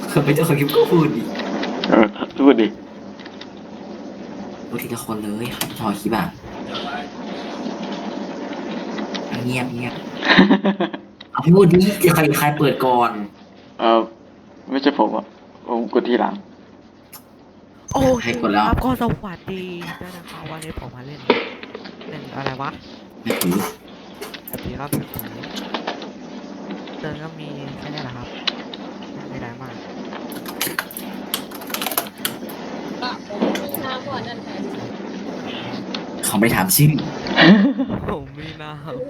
คนเป็นเจ้าของคลิปก็พูดดิเออพูดดิพูดทีละคนเลยครับพอคลิปอ่ะเงียบเงียบเอาพูดดิจะใครเปิดก่อนเออไม่ใช่ผมอ่ะผมกดทีหลังโอ้ยให้กดแล้วครับก็สวัสดีด้วยนะครับวันนี้ผมมาเล่นอะไรวะไม่ถือแบบนี้ครับแบบนี้เติมก็มีแค่นี้แหละครับไม่ได้มากก็ผมมีน้ำก่อนนั่นแหละเขาไม่ถามชื่อผมมีน้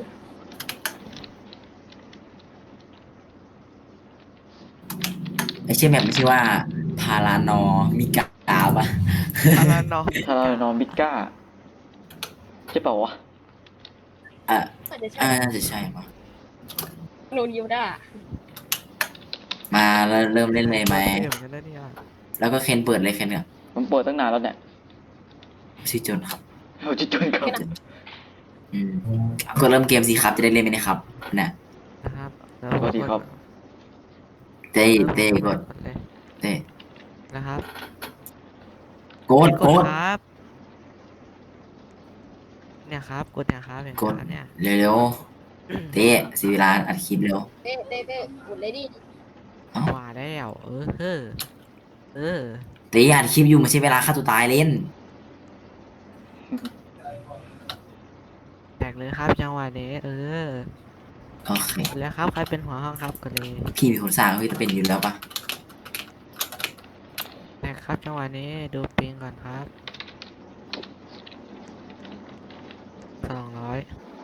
ไม่ใช่แบบไม่ใช่ว่าพารานอมิกาปะำอะไรเนาะถ้าเรานอนบิก้าใช่เปล่าวะอ่ะอาจจะใช่น่าจะใช่ปะโนยิวด้ามาแล้วเริ่มเล่นเลยไหมเดี๋ยวจะได้เนี่ยแล้วก็เคนเปิดเลยเคนเนี่ยผมเปิดตั้งนานแล้วเนี่ยชื่อจนครับเอาจิตจนครับอืมก็เริ่มเกมสิครับจะได้เล่นไหมนะครับเนี่ยนะครับแล้วสวัสดีครับเต้กดเลยเต้นะครับโกดครับเนี่ยครับกดเนี่ยครับเห็นไหมกดครับเนี่ยเร็วๆเต้สีเวลาอัดคลิปเร็วเต้หมดเลยดิว่าแล้วเออเต้อัดคลิปอยู่ไม่ใช่เวลาฆ่าตัวตายเล่นแตกเลยครับจังหวะนี้โอเคแล้วครับใครเป็นหัวห้องครับก็เลยพี่เป็นคนสร้างเฮ้ยจะเป็นอยู่แล้วปะแตกครับจังหวะนี้ดูปิงก่อนครับ200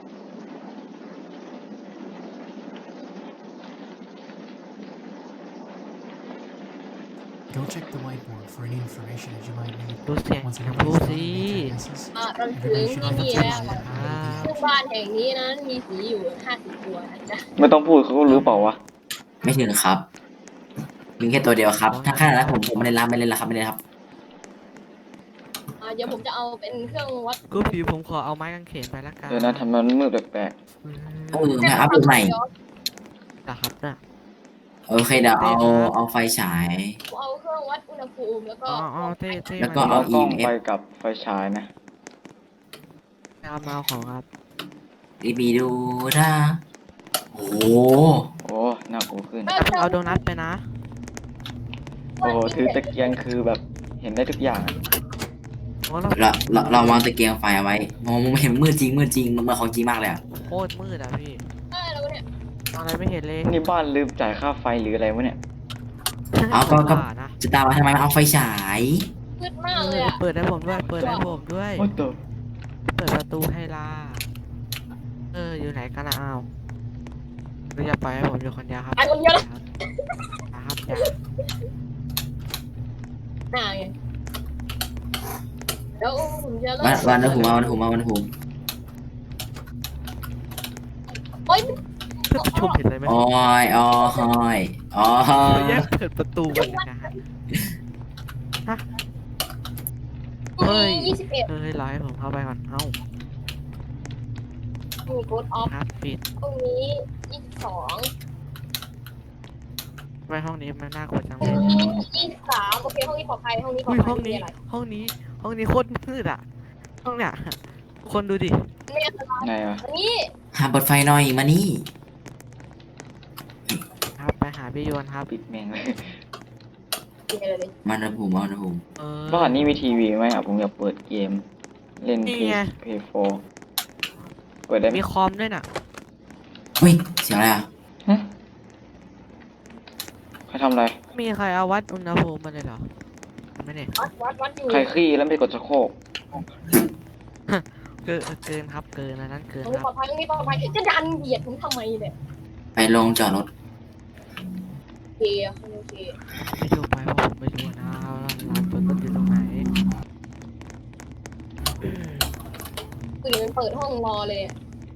Go check the whiteboard for any information that you might need. ดูเสียง Once น้ำ everybody's พู done สิ and made their guesses, เราถึง everybody should ไม่ have มี a แล้ว timeline that will be ซึ่งบ้านแห่งนี้นั้นมีสีอยู่50 ตัวนะจ๊ะไม่ต้องพูดเขาก็รู้เปล่าวะไม่ถึงครับมีแค่ตัวเดียวครับ ถ้าขนาดนั้นผมไม่เล่นละไม่เล่นละครับไม่เล่นละครับเดี๋ยวผมจะเอาเป็นเครื่องวัดกูผีผมขอเอาไม้กางเขนไปละกันเดี๋ยวนะทำมันมืดแปลกมาอัพโหลดใหม่นะครับน่ะโอเคเดี๋ยวเอาไฟฉายเอาเครื่องวัดอุณหภูมิแล้วก็อ๋อเต้แล้วๆก็เอาเอากล้อง EMF ไปกับไฟฉายนะเอามาของครับดีบีดูนะโอ้โหโอ้หน้ากูขึ้นเอาโดนัทไปนะโอ้โหถือตะเกียงคือแบบเห็นได้ทุกอย่างอะโอ้เราเราวางตะเกียงไฟเอาไว้มองไม่เห็นมืดจริงมันเหมือนของจริงมากเลยอะโคตรมืดอ่ะพี่แล้วเนี่ยมองอะไรไม่เห็นเลยนี่บ้านลืมจ่ายค่าไฟหรืออะไรวะเนี่ยเอาก็บ้านะจะตามมาทำไมเอาไฟฉายมืดมากเลยอ่ะเปิดให้ผมด้วย เปิดให้ผมด้วยโอ้ตัวเปิดประตูให้ล่าอยู่ไหนกันนะอ้าวเราอย่าปล่อยให้ผมอยู่คนเดียวครับไอ้คนเดียวเลยนะครับอย่าไงแล้วผมจะเริ่วันนะวันหูโอ๊ยชมเห็นอะไรไหมโอ้ยอ๋อยอ๋อแยกเปิดประตูกันนะฮะพรุ่งนี้21 รอให้ผมเข้าไปก่อน เอ้ามีโค้ดออฟครับปิดพรุ่งนี้22 ไว้ห้องนี้มันน่ากลัวจังพเลรุ่ยงนี้23โอเคห้องนี้ปลอดภัยห้องนี้ปลออุ้ดยภัยห้องไม่มีนี้อะไรห้องนี้โคตรมืดอ่ะ ห้องเนี้ยคนดูดิไม่อันตรายไงวะอันนี้หาเปิดไฟหน่อยมานี่ครับไปหาพี่โยนครับปิดแม่งเลยมีอะไรเลยมานะผมบ้านนี้มีทีวีไหมอ่ะผมอยากเปิดเกม เล่นนี่เพไงย์เพย์โฟเปิดได้ไหมมีคอมด้วยน่ะเฮ้ยเสียงอะไรอ่ะฮะใครทำอะไรมีใครเอาวัดอุณหภูมิมาเลยเหรอไม่เนี่ยวัดอยู่ใครขี้แล้วไม่กดชักโครกเกินครับเกินอันนั้นเกินห้องคนี้รับปลอดภัยห้องนี้ปลอดภัยจะดันเหยียดผมทำไมเนี่ยไปลงจอดรถโอเคโอเคไม่ดูไปเพราะผมไม่รู้นะว่าร้านเปิดต้นอยู่ตรงไหนคือมันเปิดห้องรอเลย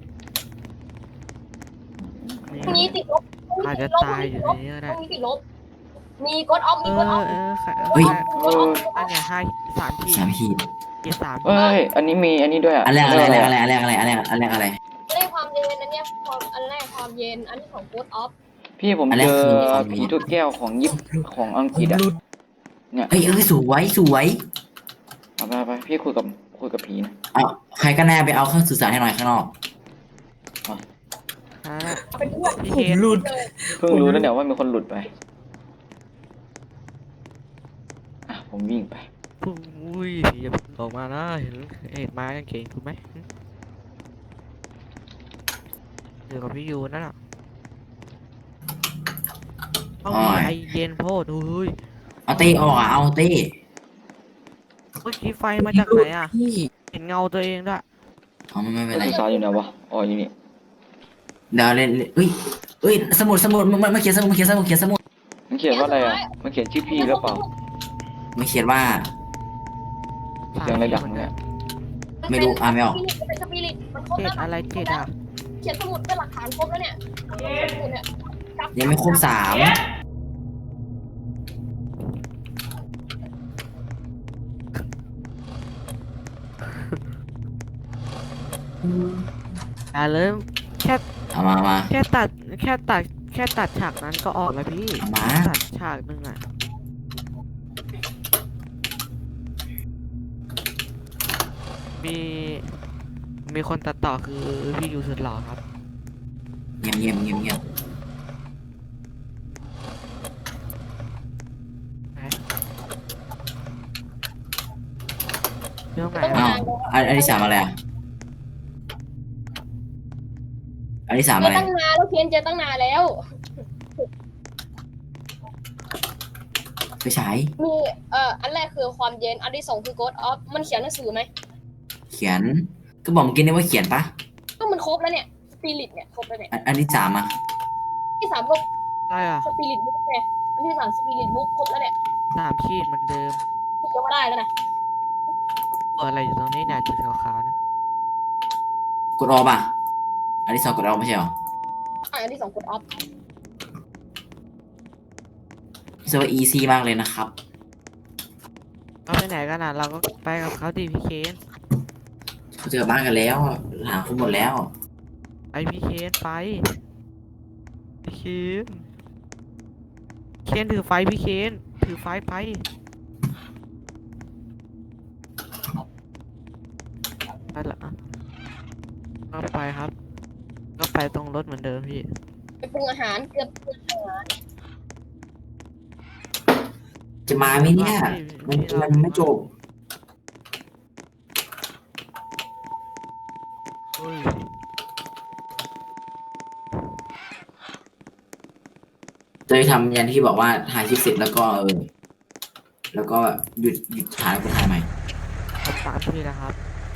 นี่พรุ่งนี้ติดลบอาจจะตายอยู่ในนี้ก็ได้พรุ่งนี้ติดลบมีโค้ดออฟมีโค้ดออฟใครเฮ้ยเอออันเนี้ยให้3 ที 3 ขีดเกียร์3 เอ้ย อันนี้มีอันนี้ด้วยอ่ะอันแรกอะไรเยได้ความเย็นอันเนี้ยความอันแรกความเย็นอันที่สองโค้ดออฟพี่ผมอันแรเจกอคือความผีถ้วยแก้วของของอังกฤษอะเนี่ยเอ้ยสวยสวยเอาไปพี่คุยกับผีนะเอาใครก็แน่ไปเอาเครื่องสื่อสารให้หน่อยข้างนอกอ่าเอาเป็นเพื่อนพี่เคนเลยเพิ่งรู้นะเนี่ยว่ามีคนหลุดไปอ่ะผมวิ่งไปอุ้ยผีอย่าออกมานะเห็นไม้กางเขนถูกไหมอยู่กับพี่ยูนั่นน่ะเอาดีไอเย็นโพดอุ้ยเอาเต้ออกอ่ะเอาเต้เมื่อกี้ไฟมาจากไหนอ่ะเห็นเงาตัวเองด้วยเอาไม่เป็นแล้วไรสื่อสารอยู่ไหนวะอ๋ออยู่นี่เดี๋ยวเล่นเอ้ยเอ้ยสมุดมาเขียนสมุดมาเขียนสมุดเขียนสมุดมันเขียนว่าอะไรอ่ะมันเขียนชื่อพี่หรือเปล่ามาเขียนว่าเสียงอะไรดังเนี่ยไม่รู้อ่านไม่ออกเป็นสปิริตมันครบเจ็แล้ดวอะไรเจ็ดอ่ะเขียนสมุดเป็นหลักฐานครบแล้วเนี่ยสมุดเนี่ยยังไม่ครบ3 อย่าเลยแค่เอามาแค่ตัดฉากนั้นก็ออกแล้วพี่มาตัดฉากนึงอ่ะมีคนตัดต่อคือพี่ยูสุดหล่อครับเงียบเงียบเงียบเงียบเรื่องไหนอ้าอะวอันที่3อะไรอ่ะอันที่3 เจอะอไรตั้งนานแล้วเขียนเจอตั้งนานแล้วไปฉายมีอันแรกคือความเย็นอันที่สองคือ Ghost of มันเขียนหนังสือไหมเขียนก็บอกเมื่อกี้นี่ว่าเขียนปะก็มันครบแล้วเนี่ยสปิริตเนี่ยครบแล้วเนี่ยอันที่3อ่ะที่สามก็อะไรอ่ะสปิริตบุ๊กไงอันที่สามสปิริตบุ๊กครบแล้วเนี่ย 3 ขีดเหมือนเดิมยังไม่ได้แล้วนะอะไรอยู่ตรงนี้เนี่ยจุดขาวๆนะกดออกป่ะอันที่2กดออกไม่ใช่หรออันที่สอง Ghost of รู้สึกว่า easy มากเลยนะครับเราไปไหนกันอ่ะเราก็ไปกับเขาดิพี่เคนเขาเจอบ้านกันแล้วหาคุณหมดแล้วไปพี่เคนไปพี่เคนเคนถือไฟพี่เคนถือไฟไปไปละก็ไปครับ ก็ไปตรงรถเหมือนเดิมพี่ไปปรุงอาหารเกือบปรุงอาหารจะมาไหมเนี่ยมันไม่จบเฮ้ยจะทำยันที่บอกว่าถ่ายคลิปเสร็จแล้วก็แล้วก็หยุดถ่ายแล้วก็ถ่ายใหม่ผมตามพี่นะครับ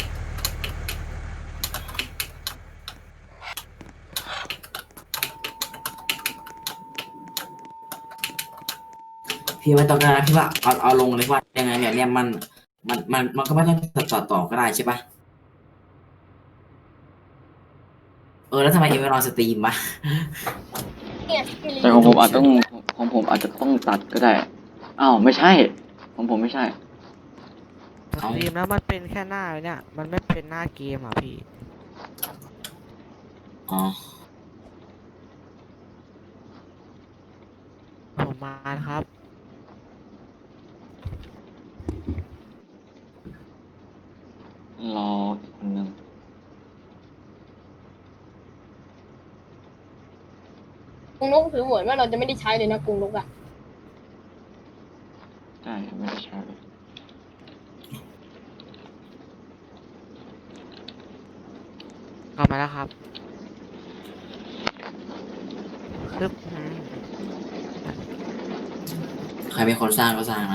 พี่ไม่ต้องการนะพี่ว่าเอาลงเลยว่ายังไงเนี่ยมันก็ไม่ต้องตัดต่อก็ได้ใช่ปะแล้วทำไมเอเวอร์นอนสตรีมวะเนี่ยสปิริตแต่ของผมอาจจะต้องตัดก็ได้อ้าวไม่ใช่ของผมไม่ใช่สตรีมแล้วมันเป็นแค่หน้าเนี่ย มันไม่เป็นหน้าเกมอ่ะพี่อ๋อผมมาครับรออีกคนนึงกรุงนกถือเหมือนว่าเราจะไม่ได้ใช้เลยนะกรุงนกอ่ะใช่ไม่ได้ใช้เลยเอามาแล้วครับซึบใครเป็นคนสร้างก็สร้างนะ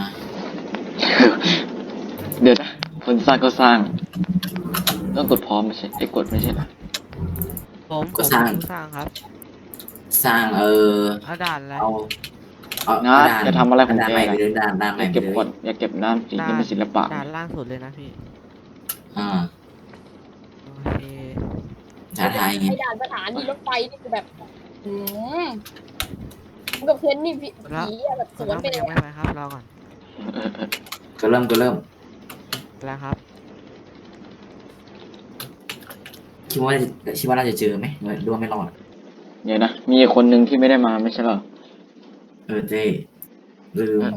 เดี๋ยวนะคนสร้างก็สร้าง ต้องกดพร้อมไม่ใช่กดไม่ใช่เหรอผมสร้างครับสร้างเอาด่านอะไรเอานะจะทำอะไรของด้านแกใหม่ไปล่ะเลยด้านอใหม่ย่าไปเก็บเลยกดอย่าเก็บน้ำสีนี่เป็นศิลปะด่านล่างสุดเลยนะพี่อ่าโอเคท้าทายไงไอ้ด่านสถานีรถไฟนี่คือแบบกับเพื่อนนี่ผีอะแบบสส่วนวนน้องไปเลยยังไม่ไปครับรอก่อนก็เริ่มแล้วครับคิดว่าน่าจะเจอไหมหรือว่าไม่รอดเดี๋ยวนะ มีคนหนึ่งที่ไม่ได้มาไม่ใช่เหรอเจ้ลืม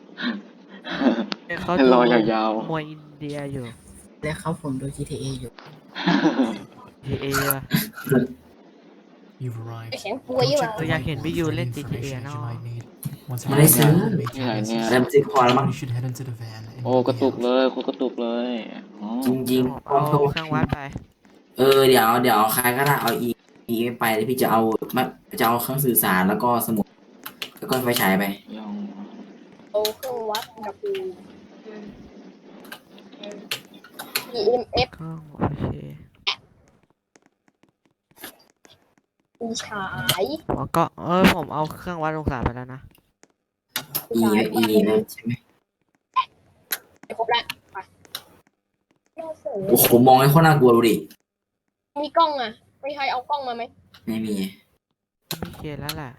เขารดูอยาวมวยอินเดียอยู่แล้วครับผมดู GTA อยู่ๆ GTA อะ You've arrived. แข็งป่ Go วยอยู่ check อ่ะ the อยากเห็น whiteboard พี่ยู for เล่ any น GTA information that เนาะ you might need. Once Mà lấy everything xứ. has been made to Cái này analysis, nè. เริ่มซิกพอแล้วมั้ง everybody should head into the van and โอ้ you'll กระ be ตุก out. เลยคุณกระตุกเลยอ๋อจริงเอาๆเครื่องวัดไปเดี๋ยวใครก็ได้เอาอีไม่ไปแล้วพี่จะเอาจะเอาเครื่องสื่อสารแล้วก็สมุด แล้วก็ไฟฉายไปย่องเอาเครื่องวัดกับEMF เครื่องโอเคมีฉายแล้วก็ผมเอาเครื่องวัดองศาไปแล้วนะอีนะใช่ไหมครบแล้วไปโอ้โหมองให้โคตรน่ากลัวดูดิมีกล้องอ่ะไม่ใครเอากล้องมาไหมไม่มีพี่เคนแล้วแหละ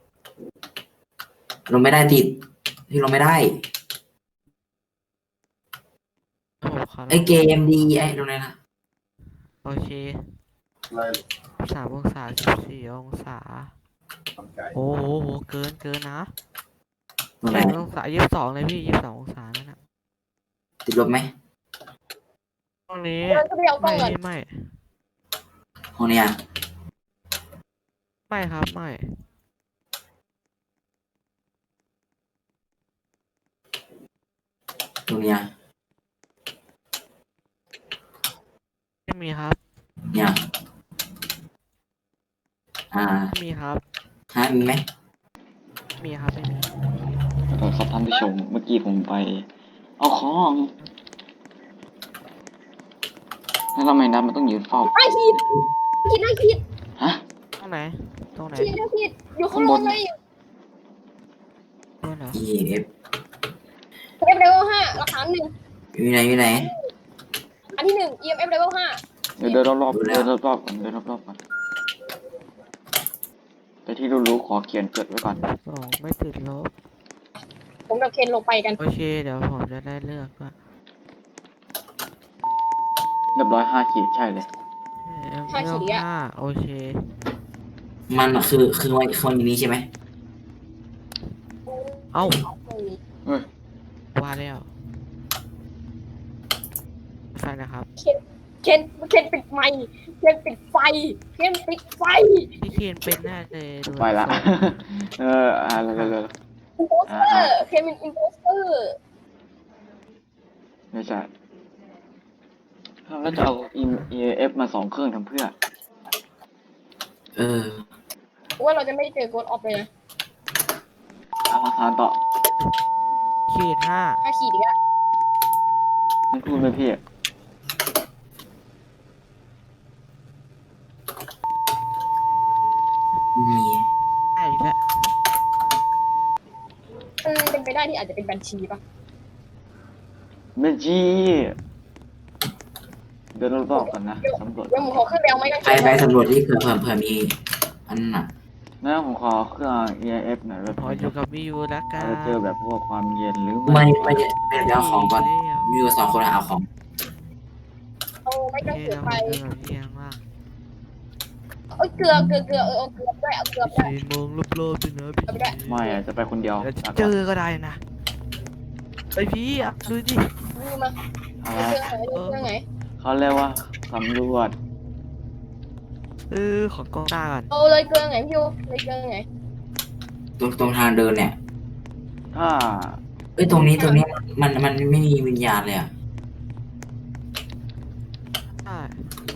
ลงไม่ได้ติดที่ลงไม่ได้ผมขอไอเกมดีไอ้ตรงไหนนะโอเค3 องศา14 องศาโอ้โหเกินนะตรงไหนองศา22เลยพี่22 องศานั่นน่ะติดลบไหมตรงนี้เดินก็ไปเอากล้องก่อนไม่ห้องเนี้ยไม่ครับไม่ตรงเนี้ยไม่มีครับเนี่ยไม่มีครับมีไหมไม่มีครับไม่มีขอโทษครับท่านผู้ชมเมื่อกี้ผมไป เอาของแล้วทำไมนัดมันต้องยืนเฝ้าไอ้ขีดได้ขีดฮะตรงไหนตรงไหนขีดได้ขีดอยู่ข้างบนเลยตัวเหรออีเอฟ EMF level 5หลักฐาน1 อยู่ไหนอันที่1 EMF level 5 เดี๋ยวเดินรอบดูๆแล้วเดินรอบๆก่อนเดินรอบๆก่อนแต่ที่รู้ๆขอเขียนจดไว้ก่อน 2ไม่ติดลบผมกับเคนลงไปกันโอเคเดี๋ยวผมจะได้เลือกว่าเรียบร้อย5 ขีดใช่เลยห้าขีดอะโอเคมันคือวันนี้ใช่ไหมเอ้าเฮ้ยว่าแล้วไฟนะครับเคนปิดไมค์เคนปิดไฟเคนปิดไฟพี่เคนเป็นแน่เลยดูไปละทรงเร็วอินโพสเตอร์เคนเป็นอินโพสเตอร์ๆไม่ใช่แล้วจะเอา EF มา2 เครื่องทำเพื่อว่าเราจะไม่ได้เจอโกดออฟเลยนะเอาหลักฐานต่อขีด5 5 ขีดอีกแล้วไม่พูดไหมพี่มีได้อีกแล้วมันเป็นไปได้ที่อาจจะเป็นบัญชีปะเมจีเดินรอบๆก่อนนะสำรวจเดี๋ยวผมขอขึ้นไปเอาไม้กางเขนไปสำรวจที่เผื่อมีอันน่ะนะผมขอเครื่อง EF หน่อยแบบขออยู่กับพี่ยูแล้วกันจะเจอแบบพวกความเย็นหรือไม่เอาของก่อนมีอยู่2 คนเอาของเอาไม้โอกางเคเขนเราไปเจอกับเอียงมากเอ้ยเกลือเอาเกลือด้วยเอาเกลือด้วย 4 โมงรอบๆเลยนะพี่เอาไปด้วยไม่อะจะไปคนเดียวเดี๋ยวลาเจก่อนอก็ได้นะไปพี่อ่ะดูดินี่มาอะไรเอาเครื่องไหนเขาเรียกว่าสำรวจของกล้องตาก่อนเอาเลยเกลือไหนพี่ยูเลยเกลือไหนตรงทางเดินเนี่ยถ้าตรงนี้มันไม่มีวิญญาณเลยอ่ะใช่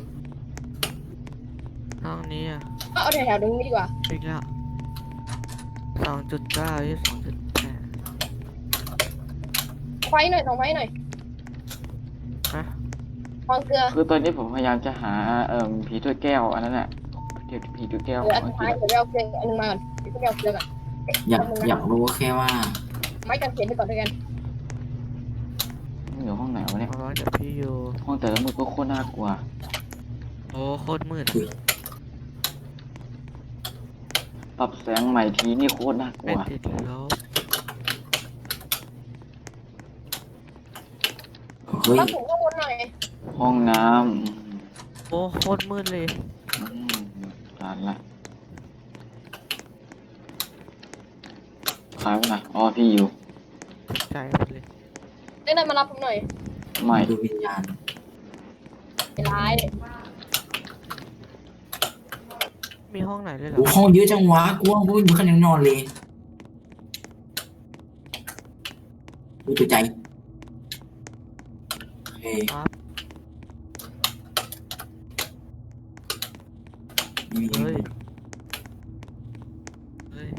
ห้องนี้อ่ะเอาแถวๆตรงนี้ดีกว่าอีกแล้ว2.9ที่2.8 ไฟหน่อยส่องไฟหน่อยฮะวางเกลือคือตอนนี้ผมพยายามจะหาผีถ้วยแก้วอันนั้นแหละผีถ้วยแก้วเกลืขอองอันอังสุกดฤท้ายษเดี๋ยวไปเอาเกลืออันนึงมาก่อนเดี๋ยวไปเอาเกลือก่อนอยากรู้แค่ว่าไม้กางเขนไปก่อนด้วยกันมันอยู่ห้องไหนวะเนี่ยเอาไว้กับพี่ยูห้องแต่ละมือก็โคตรน่ากลัวโอ้โคตรมืดปรับแสงใหม่ทีนี่โคตรน่ากลัไม่วติดลบเฮ้ยต้องถึงข้างบนหน่อยห้องน้โอ้โคตรมืดเลยำอืมผ่านละใครวะนะอ๋อพี่อยู่ใจหมดเลยเล่นมารับผมหน่อยไม่ดูวิญญาณไอ้ร้ายมีห้องไหนเลยเหรอโอ้ห้องเยอะจังวะกูว่ากูไม่มีคนยังนอนเลยดูตัวใจโอเคครับนี่เฮ้ยเฮ้ย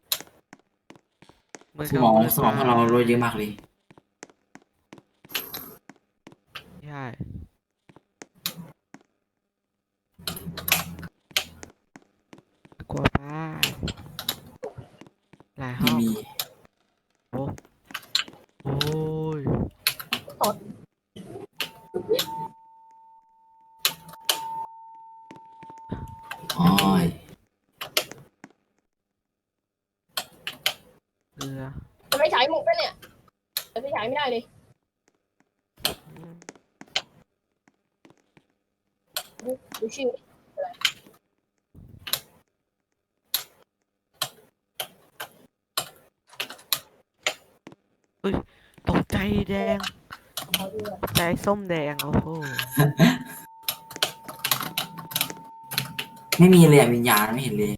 เหมือนสกับมองปิดสมองของเราโรยเยอะมากเลยใช่กลัวป้าหลายห้ไม่องมีโอ้โอ้ยอ๋อยเรือจะไม่ฉายหมกด้วยเนี่ยจะไม่ฉายไม่ได้เลยอืมดูชื่อตกใจแดงขอดูหน่อยใจส้มแดง โอ้โหไม่มีเลยอะวิญญาณไม่เห็นเลย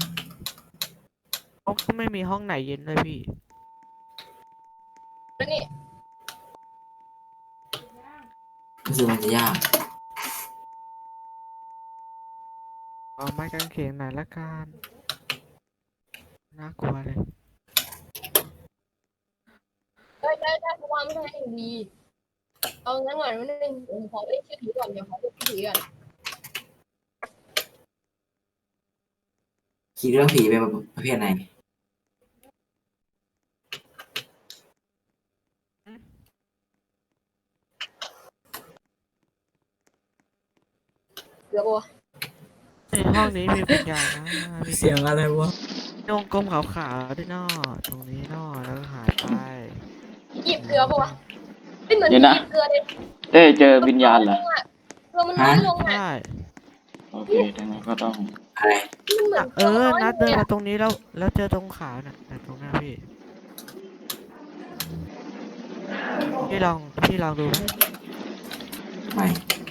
เขาก็ไม่มีห้องไหนเย็นเลยพี่แล้วนี่รู้สึกมันจะยากเอาไม้กางเขนหน่อยละกันน่ากลัวเลยได้เพราะว่าไม่ได้ดีเอางั้นก่อนวันนึงผมขอเล่นชื่อผีก่อนเดี๋ยวขอเล่นชื่อผีก่อนคิดเรื่องผีเป็นประเภทไหนเดี๋ยวบัวในห้องนี้มีวิญญาณนะมีเสียงอะไรวะวงกลมขาวๆด้วยนอตรงนี้นอแล้วก็หายไปหยิบเกลือบัวไม่เหมือนหเดี๋ยวยินะบเกลือเลยเต้เจอวิญญาณเหรอเกลือมันน้อยลงอ่ะใช่โอเคดังนั้นก็ต้องอะไรมันเหมือนเออ นัดเดินมาตรงนี้แล้วเจอตรงขาวน่ะตรงหน้าพี่ พี่ลองดูไหมไม่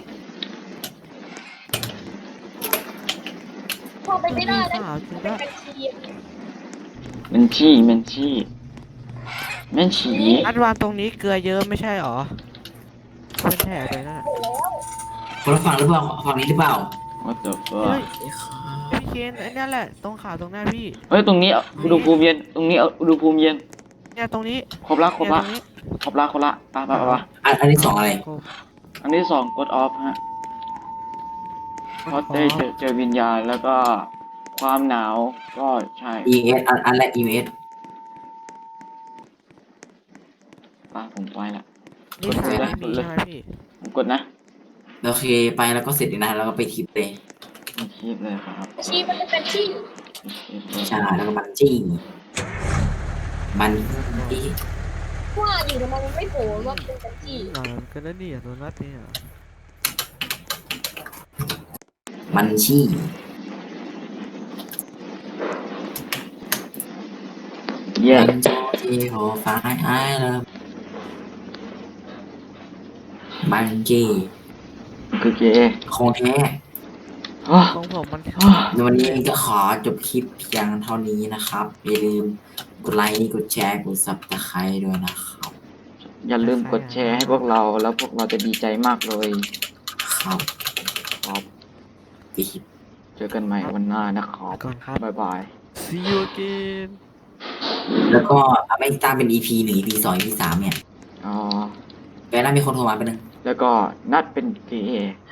พอไปไม่ได้แล้วขาวจริงเป็นด้วยบัญชีมันชี่มันชี่มันฉีนัดวางตรงนี้เกลือเยอะไม่ใช่หรอ เป็นแถบเลยนั่นน่ะคนละฝั่งหรือเปล่าฝั่งนี้หรือเปล่า what the เฮ้ย fuck ไอ้ข้าพี่เคนไอ้นั่นแหละ ตรงขาวตรงหน้าพี่เฮ้ยตรงนี้อุณหภูมิเย็นตรงนี้อุณหภูมิเย็นเนี่ยตรงนี้ครบละครบเนี่ยละตรงนี้ครบละครบละไปอันนี้สองอะไรอันที่สองกดออฟฮะเพราะเต้เจอวิญญาณแล้วก็ความหนาวก็ใช่ EMS อันแรก EMS ผมไปละนี่สายไม่มีกดเลยใช่ไหมพี่ผมกดนะโอเคไปแล้วก็เสร็จเลยนะแล้วก็ไปทิปเลยไม่คิดเลยครับบัญชีมันเป็นชื่อไม่คิดเลยใช่แล้วก็มันจี้มันจี้ว่าอยู่ทำไมมันไม่โผล่ว่าเป็นบัญชีหน่อยมันก็ได้เนี่ยโดนัทเนี่ยมันชี้เย้มันจอที่โหฟ้าไอ้แล้วมันจี้คือเกย์ของแท้อ้อของผมมันอ้อในวันนี้ก็ขอจบคลิปเพียงเท่านี้นะครับ อย่าลืมกดไลค์กดแชร์กดซับสไครต์ด้วยนะครับอย่าลืมกดแชร์ให้พวกเราแล้วพวกเราจะดีใจมากเลยครับครับปิดเจอกันใหม่วันหน้านะครับก่อนครับบ๊ายบาย see you again แล้วก็ไม่ตามเป็น EP 1 EP 2 EP 3เนี่ยอ๋อแกน่ามีคนโทรมาไปบนึงแล้วก็นัดเป็นเกย์